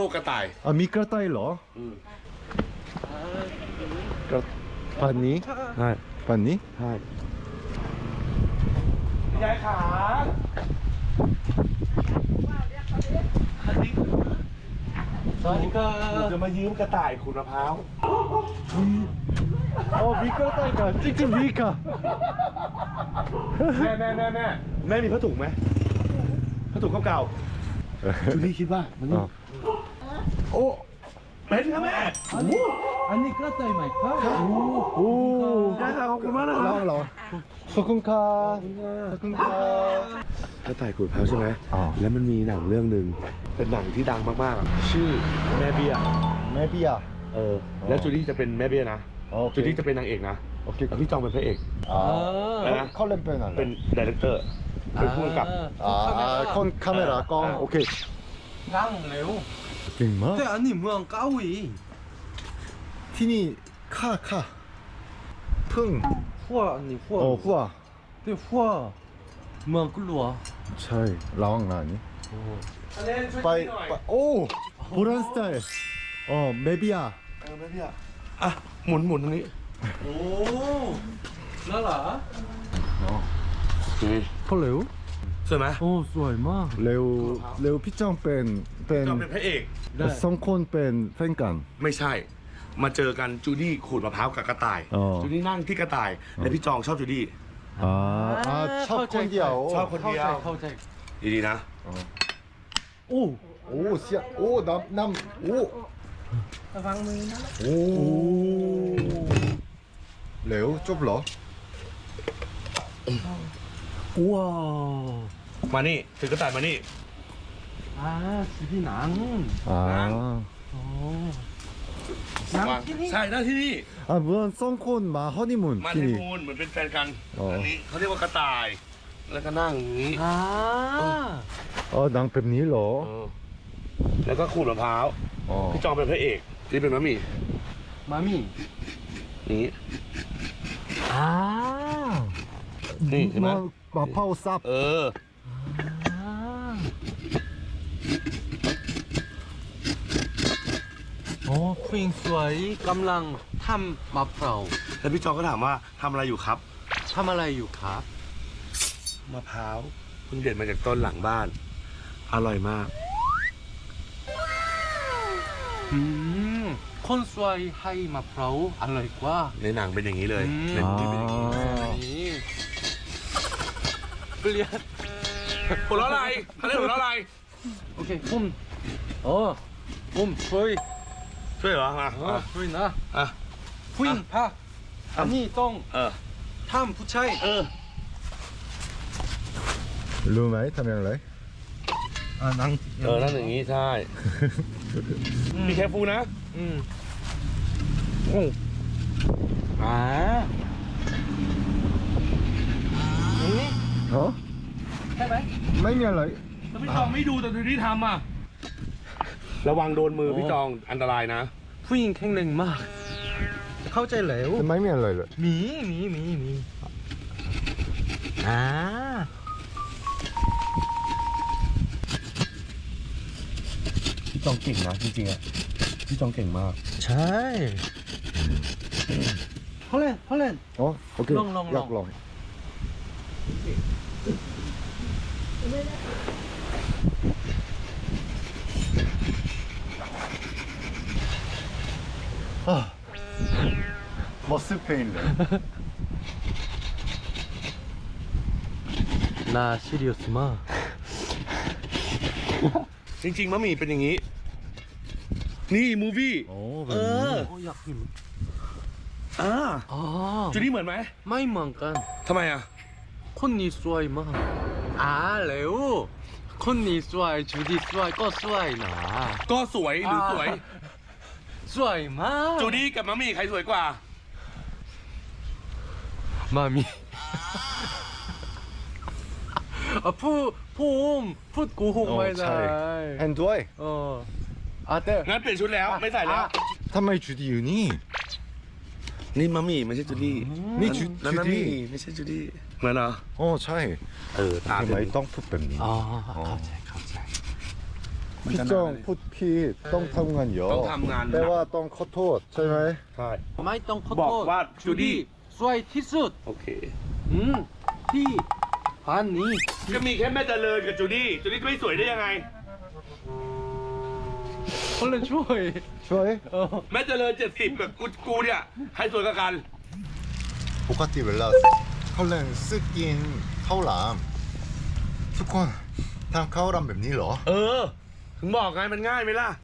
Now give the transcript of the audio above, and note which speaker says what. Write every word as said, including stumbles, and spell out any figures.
Speaker 1: ลูกกระต่าย
Speaker 2: อ่ะมีกระต่ายเหรออืมกระปันนี้ใช่ปันนี้ใช่
Speaker 1: ยายขาสวัสดีครับจะมายืมกระต่ายขูดมะพร้าว
Speaker 2: อ๋อมีกระต่ายกันจริงๆมีค่ะ
Speaker 1: แม่แม่แม่แม่แม่มีผ้าถุงไหมผ้าถุงเก่าๆจูดี้คิดว่ามันนี่โอ้เป็นครับแม่
Speaker 3: อันนี้ก็ใจใหม่ครับ
Speaker 2: โอ้
Speaker 1: ได้ค่ะขอบคุณมากนะค
Speaker 2: ล
Speaker 1: รั
Speaker 2: อบ งลองขอบคุณค่ะขอบคุณค่ะ
Speaker 1: กระต่ายขูดมะพร้าวใช่ไหม
Speaker 2: อ๋อ
Speaker 1: แล้วมันมีหนังเรื่องหนึ่งเป็นหนังที่ดังมากๆชื่อแม่เบี้ย
Speaker 2: แม่เบี้ย
Speaker 1: เออแล้วจูดี้จะเป็นแม่เบี้ยนะ
Speaker 2: โอเค
Speaker 1: จูดี้จะเป็นนางเอกนะ
Speaker 2: โอเค
Speaker 1: แล้วพี่จองเป็นพระเอก
Speaker 2: อ่า
Speaker 1: อะไรนะ
Speaker 2: เขาเล่นเป็นอะไร
Speaker 1: เป็นดีเรคเตอร์เป็นผู้กำกับ
Speaker 2: อ่าคนคาเมรากล้องโอเค
Speaker 3: นั่งเร็ว
Speaker 2: เก่งมาก
Speaker 3: แต่อันนี้เมืองเกาหลี
Speaker 2: ที่นี่ค่าค่าพึ่ง
Speaker 3: หัวอันนี้หัว
Speaker 2: โอ้หัว
Speaker 3: แต่หัวเมืองกุลัว
Speaker 2: ใช่ร้องงานนี้ไปไปโอ้โบราณสไตล์อ๋อแม่เบี้ย
Speaker 1: เออแม่เบี้ยอ่ะหมุนหมุนตรงนี้
Speaker 3: โอ้น่ารัก
Speaker 2: อ๋อ
Speaker 3: พอเร็ว
Speaker 1: สวยไหม
Speaker 3: โอ้สวยมาก
Speaker 2: เร็วเร็วพี่จ้องเป็นเป็น
Speaker 1: จองเป็นพระเอก
Speaker 2: สองคนเป็นแฟนกัน
Speaker 1: ไม่ใช่ มาเจอกันจูดี้ขูดมะพร้าวกับกระต่าย
Speaker 2: อ๋อ
Speaker 1: จูดี้นั่งที่กระต่ายและพี่จองชอบจูดี้
Speaker 2: อ่าอ่าชอบคนเดียว
Speaker 1: ชอบคนเดียว
Speaker 3: เข้าใจ
Speaker 1: ดีๆนะ
Speaker 3: โอ้
Speaker 2: โอ้เสียโอ้น้ำน้ำโอ้
Speaker 3: ระวังมือนะ
Speaker 2: โอ้เร็วจบเหรอ
Speaker 3: ว้าว
Speaker 1: มานี่ถือกระต่ายมานี่
Speaker 3: อ่าสีพี่หนัง
Speaker 2: อ่า
Speaker 3: โอ้
Speaker 1: วางใช่หน้าที่นี่
Speaker 2: อ่าเหมือนสองคนมาฮันนีมูน
Speaker 1: มา
Speaker 2: ที่
Speaker 1: ที่
Speaker 2: นี่
Speaker 1: มูลเหมือนเป็นแฟนกัน
Speaker 2: อ๋ออั
Speaker 1: อันนี้เขาเรียกว่ากระต่าย แล้วก็นั่งอย่างนี้
Speaker 3: อ่า
Speaker 2: อ๋อดังแบบนี้เหรอ
Speaker 1: เออแล้วก็ขูดมะพร้าว
Speaker 2: อ๋อ
Speaker 1: พี่จองเป็นพระเอกนี่เป็นมะหมี่
Speaker 3: มามี่
Speaker 1: นี้
Speaker 3: อ่า
Speaker 1: นี่เห็นไหม
Speaker 2: มามาเผาซับ
Speaker 1: เออ
Speaker 3: อ่าโอ้ผู้หญิงสวยกำลังทำมะพร้าว
Speaker 1: แล้วพี่จองก็ถามว่าทำอะไรอยู่ครับ
Speaker 3: ทำอะไรอยู่ครับ
Speaker 1: มะพร้าวเพิ่งเด็ดมาจากต้นหลังบ้าน อร่อยมาก
Speaker 3: อืมคนสวยให้มะพร้าวอร่อยกว่า
Speaker 1: ในหนังเป็นอย่างนี้เลย
Speaker 3: อืม
Speaker 1: ในหนังเป็นอย่างนี้
Speaker 3: นี่เปลี่ยน
Speaker 1: หัวเราะอะไรเขาเรียกหัวเราะอะไร
Speaker 3: โอเคผมโอ้ผมช่วย
Speaker 1: ช่วยเหรอมา
Speaker 3: เออ
Speaker 1: อ่ะ
Speaker 3: ช่วยนะ
Speaker 1: อ่ะ
Speaker 3: ผู้หญิงพาอันนี้ต้อง
Speaker 1: เออ
Speaker 3: ทำผู้ชาย
Speaker 1: เออ
Speaker 2: รู้ไหมทำอย่างไร
Speaker 3: อ่านั่ง
Speaker 1: เออนั่นอย่างนี้ใช่ มีแคฟูนะ
Speaker 3: อืมโอ้อ่านี่
Speaker 2: ฮะ
Speaker 3: ใช่ไหม
Speaker 2: ไม่มีอะไร
Speaker 1: แล้วพี่จองไม่ดูแต่ดูที่ทำอ่ะ ระวังโดนมือพี่จองอันตรายนะ
Speaker 3: ผู้หญิงแข็งแรงมาก เข้าใจแล้ว
Speaker 2: ไม่มีอะไรเลย
Speaker 3: มีมีมีมีอ่า
Speaker 1: พี่จองเก่งนะจริงๆอ่ะ พี่จองเก่งมาก
Speaker 3: ใช่เขาเล่นเขาเล่น
Speaker 2: อ๋อโอเค
Speaker 3: ลองลองลอง
Speaker 2: อยากลองอ่ะมอสเพนเลย
Speaker 3: น่าซีเรียสมาก
Speaker 1: จริงๆมะหมี่เป็นอย่างนี้ นี่มูฟี่
Speaker 2: โอ้แบ
Speaker 1: เอบ
Speaker 2: นี้
Speaker 1: อ
Speaker 3: โอ้อยากกิน
Speaker 1: อ่า
Speaker 3: อ๋อ
Speaker 1: จูดี้เหมือนไหม
Speaker 3: ไม่เหมือนกัน
Speaker 1: ทำไมอ่ะ
Speaker 3: คนนี้สวยมากอ่าเร็วคนนี้สวยจูดี้สวยก็สวยนะ
Speaker 1: ก็สวยหรือสวย
Speaker 3: สวยมาก
Speaker 1: จูดี้กับมะหมี่ใครสวยกว่า
Speaker 3: มามีอ่ะพูดพูดพูดโกูหกไม่ได้
Speaker 2: เห็นด้วย
Speaker 3: เอออ่ะแต่
Speaker 1: งั้นเปลี่ยนชุดแล้วไม่ใส่แล้ว
Speaker 2: ทำไมจุดีอยู่นี่
Speaker 1: นี่มะหมี่ไม่ใช่จูดี้
Speaker 2: นี่จุ
Speaker 1: นั่น
Speaker 2: จุ
Speaker 1: มะห
Speaker 2: ดี
Speaker 1: มี่ไม่ใช่จูดี้เหมือนเหรอ
Speaker 2: โอ้ใช่
Speaker 1: เออตา
Speaker 2: ทำ
Speaker 1: ถึ
Speaker 2: ไม
Speaker 1: ง
Speaker 2: ต้องพูดแบบนี้
Speaker 3: อ๋อเข้าใจเข้าใจ
Speaker 2: 피정 풋핏 똥 탐관 여
Speaker 1: ต้องทำงานหนัก
Speaker 2: แปลว่าต้องขอโทษใช่ไหม
Speaker 1: ใช่
Speaker 3: ไม่ต้องขอ
Speaker 1: บอก
Speaker 3: โทษ
Speaker 1: ว่าจูดี้
Speaker 3: สวยที่สุด
Speaker 1: โอเค
Speaker 3: อืมที่บ้านนี้
Speaker 1: ก็มีแค่แม่เจริญกับจูดี้จูดี้จะไม่สวยได้ยังไง
Speaker 3: คนละช่วย
Speaker 2: ช่วย
Speaker 3: เออ
Speaker 1: แม่เจริญเจ็ดสิบกับกูกูเนี่ยใครสวยกว่ากัน
Speaker 2: ปกติเวลาเขาเล่นซึกกินข้าวหลามทุกคนทำข้าวหลามแบบนี้เหรอ
Speaker 1: เออ ถึงบอกไงมันง่ายไหมล่ะ